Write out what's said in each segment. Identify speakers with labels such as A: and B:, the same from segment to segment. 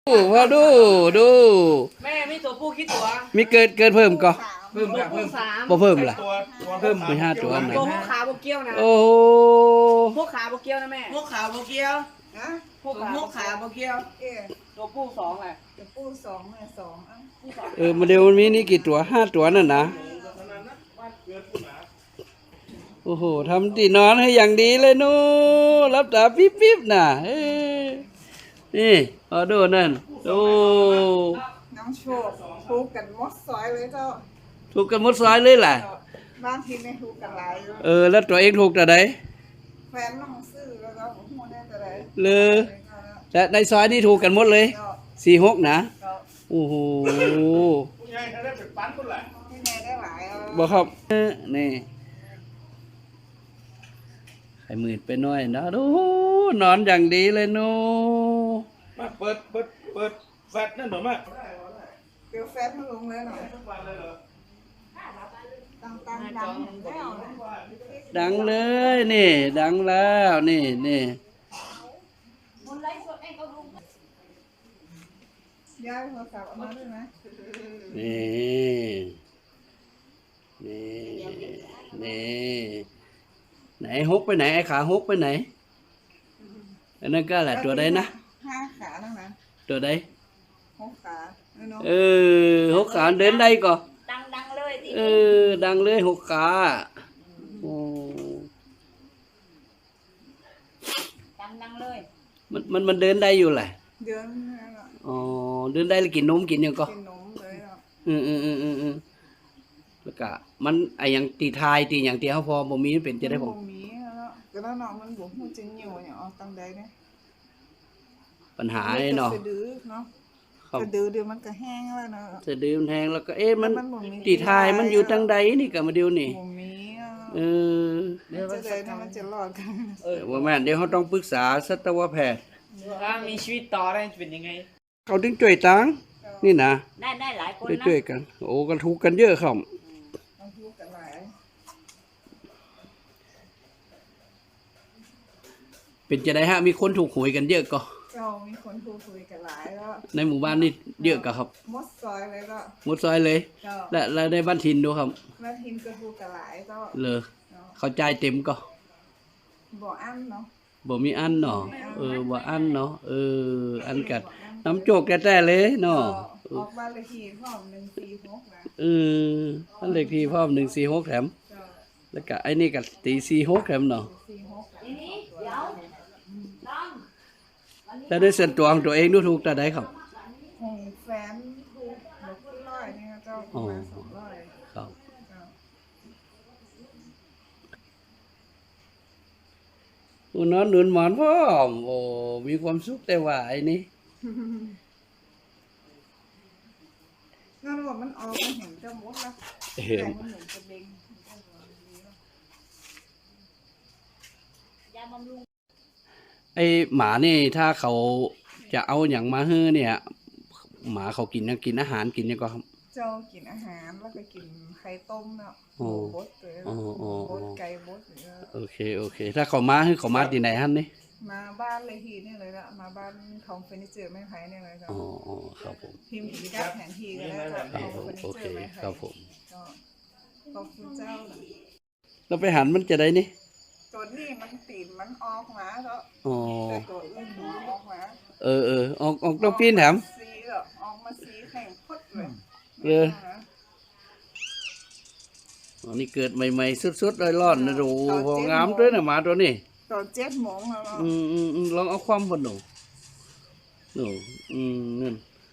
A: มาดู
B: แม่มีตัวผู้คิดตัว
A: มีเกิดเพิ่มก็
B: เพิ่มสาม
A: บ่เพิ่มล่ะ
C: เพิ่ม
A: มี5ตัวนะ
B: ตัวพวกขาบกเกี้ยวนะ
A: โอ้
B: พวกขาบกเกี้ยวนะแม่
C: พวกขาวโบเกียวนะ
B: พวก
C: ขาวโบเกียว
B: ตัวผู้สองแหละ
C: ตัวผู้สองเนี่ยสอง
A: มาเดี๋ยวมันมีนี่กี่ตัว5ตัวนั่นนะโอ้โหทำที่นอนให้อย่างดีเลยนู้รับตาปิ๊บน่ะนี่ดูนั่นดู
C: น้องโชคถูกกันมดซอยเลยเจ้า
A: ถูกกันหมดซอยเลยแหละ
C: บ้านทีไม่ถูกกันหลาย
A: แล้วตัวเองถูกแต่ไหน
C: แฟนน้องซื้อแล้วก็หัวได้แต่ไหน
A: เลยแต่ในซอยนี่ถูกกันหมดเลย46นะโอ้โห
C: ใหญ่ได้เป็นปั้นคนละที่ไหนได้หลาย
A: บ่ครับนี่ไข่มืดไปหน่อยนะดูนอนอย่างดีเลยนู้
D: มาเปิดแฟตนั่นหรอมา
C: เดี๋ยวแฟนมันลงเลยหน่อยดังแล้ว
A: ดังเลยนี่ดังแล้วนี่
C: ย้ายโทรศัพท์มาด้วยไหม
A: นี่ไหนฮกไปไหนไอ้ขาฮกไปไหนอันนั้นก็แหละตัวใดนะ
C: 5 ขาทั้งนั้น
A: ตัวใด
C: 6 ขา
A: 6 ขาเดินได้ก่อ
B: ดังเลย
A: ดังเลย6 ขาโอ้
B: ดังเลย
A: มันเดินได้อยู่แหละ
C: เดิน
A: เดินได้แล้วกินนมกินยังก็
C: กินนมเลย
A: แล้วก็มันไอ้อย่างตีทายตีอย่างตีเขาพอบ่มีเป็นจะได้ผม
C: บ่มีแล้วก็แล้วน้องมันบ่ฮู้จริงอยู่อย่างออกตังใดเนี่ย
A: ปัญหาไอ้เนาะ
C: สะดือเนาะสะดือเดี๋ยวมันก็แห้งแล้วเนาะ
A: สะดือมันแห้งแล้วก็มันตีทายมันอยู่ตังใดนี่ก็มาเดียวนี่
C: บ่มี
A: เดี๋ยว
C: มันจะรอดกัน
A: ว่าแม่เดี๋ยวเขาต้องปรึกษาสัตวแพทย์
B: ถ้ามีชีวิตต่อได้จะเป็นยังไง
A: เขาถึงช่วยตังนี่นะ
B: ได้หลายคนนะ
A: ช่วยกันโอ้กันทุกกันเยอะครับเป็นจะได้ฮะมีคนถูกหวยกันเยอะก็
C: มีคนถูกหวยกันหลายแล้ว
A: ในหมู่บ้านนี่เยอะก็ครับ
C: มดซอยเลยก็
A: มดซอยเลยและในบ้านทินดูครับ
C: บ้านทินก็ถูกกันหลายก็
A: เลยเข้าใจเต็มก็
C: บ่อั้นเนาะ
A: บ่มีอันเนาะบ่อันเนาะอันกัดน้ำโจกแท้ๆเลยเนาะ
C: ออกบ้านเลขที่พร้อม146นะ
A: บ้านเลขที่พร้อม146แถมแล้วก็ไอ้นี่ก็ตี46แถมเนาะแล้วได้ส่วนตัวของตัวเองดูถูกแต่ใดครับ
C: ของแฟนถูก100นี่เจ้าประมาณ200
A: ครับนอนหนุนหมอนพ่อมีความสุขแต่ว่าไอ้นี่
C: งั้นว่ามันออกมาเห็นเจ้ามดแล้วแต่มันเหมือนกระเบง
A: ไอหมานี่ถ้าเขาจะเอาอย่างมาให้เนี่ยหมาเขากินอาหารกินยังก็ครับ
C: เจ้ากินอาหารแล้วก็กินไข่ต้มเนาะบดเลยบดไก่บด
A: โอเคถ้าเขามาให้เขามาที่ไหนฮั่นนี่
C: มาบ้านเลยทีนี่เลยละมาบ้านทองเฟอร์นิเจอร์ไม้ไผ่เนี่ยเลยครับ
A: ครับผม
C: พิมพ์อีกได้แผนที่กันแล้ว
A: โอเคครับผม
C: ขอบคุณเจ้า
A: เราไปหันมันจะได้นี่
C: ตัวนี้มันตีนมันออกมาแล้วแต่ตัวอื่นมันออกมา
A: ออกต้องปีนแถม
C: สีออกมาสีแข็งพด
A: เลยนี่เกิดใหม่ๆสุดๆร้อนๆนะดูพองามด้วยนะหมาตัวนี้
C: ตอน7 โมงแล้ว
A: ลองเอาความพอหนูนั่น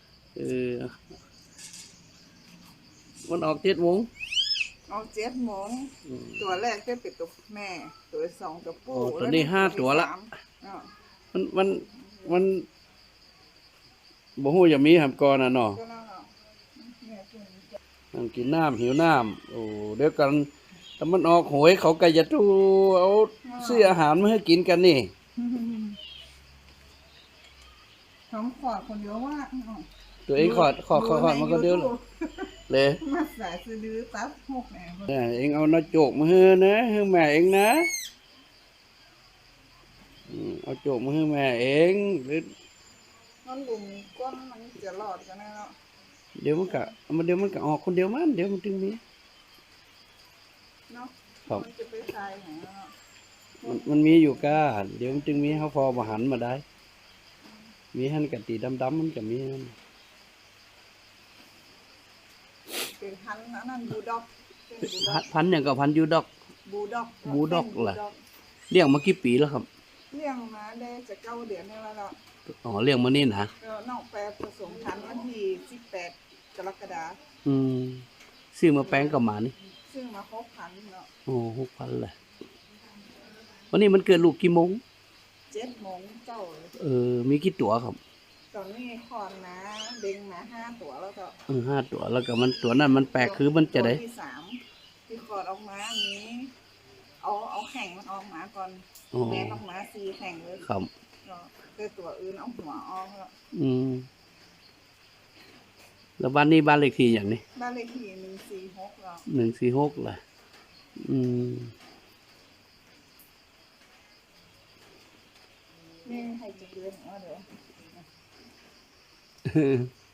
A: มันออก7 โมง
C: ออก7 โมงตัวแรกก็เป็นตัวแม่ตัว2ตัวผู้
A: ตัวนี้5 ตัวละมันบ่ฮู้จะมีหำก่อนน่ะเนาะกินน้ำหิวน้ำเดี๋ยวกันถ้ามันออกหวยเขาก็จะตู้เอาซื้ออาหารมาให้กินกันนี่
C: ท้องขอดคนเดียวว่า
A: ตัวเองขอดมันก็เดียวเลย
C: มาใส่ซื้อดื้อตับ6แหน่
A: เองเอาน้าโจกมาให้นะให้แม่เองนะเอาโจกมาให้แม่เองหรือ
C: มันหลุมก้นมันจะหลอดกันแน่เนาะ
A: เดี๋ยวมันก็ออกคนเดียวมันเดี๋ยวมันถึงมี
C: เนาะ
A: ครับ
C: มันจะไปใส่ไหนเนาะ
A: มันมีอยู่ก้าเดี๋ยวมันจึงมีเขาพอมาหันมาได้ มีหันกะตีดำๆมันก็มีนั่น
C: เป็นพันธุ์อันนั้นบูลด็อกเป็นบูลด็อก
A: พันอย่างกับพันยูดอก
C: บูลด็อก
A: บูลด็อก
C: เป็น
A: เหรอ เลี้ยงมากี่ปีแล้วครับ
C: เลี้ยงมาได้จะ9 เดือนแล้วเนาะ
A: อ๋อเลี้ยงมานี่นะ
C: แล้วน้องแปรผสมพันธุ์วันที่18 กรกฎาคม
A: ซื้อมาแป้งกับหมานี่
C: ซึ่งมาครบพันธุ์เนาะ
A: โอ้6,000เลยวันนี้มันเกิดลูกกี่โมง
C: 7 โมงเจ้าเลย
A: มีกี่ตัวครับ
C: ตอนนี้คอนนะเด้งมา5 ตัวแล้วก็
A: 5 ตัวแล้วก็มันตัวนั้นมันแปลกคือมันจะได้
C: ตัวที่3ที่คลอดออกมานี้เอาแข่งมันออกมาก่อน
A: อ๋อ
C: แม่ออกมา4 แข่งเลย
A: ครับ
C: เนาะแต่ตัวอื่นเอาหัวออกแล้ว
A: แล้วบ้านนี้บ้านเลขที่อย่างนี้
C: บ้านเลขที่146แล้ว
A: 146เลยอืม
C: นี่ให้จะเดือนเดี๋ยว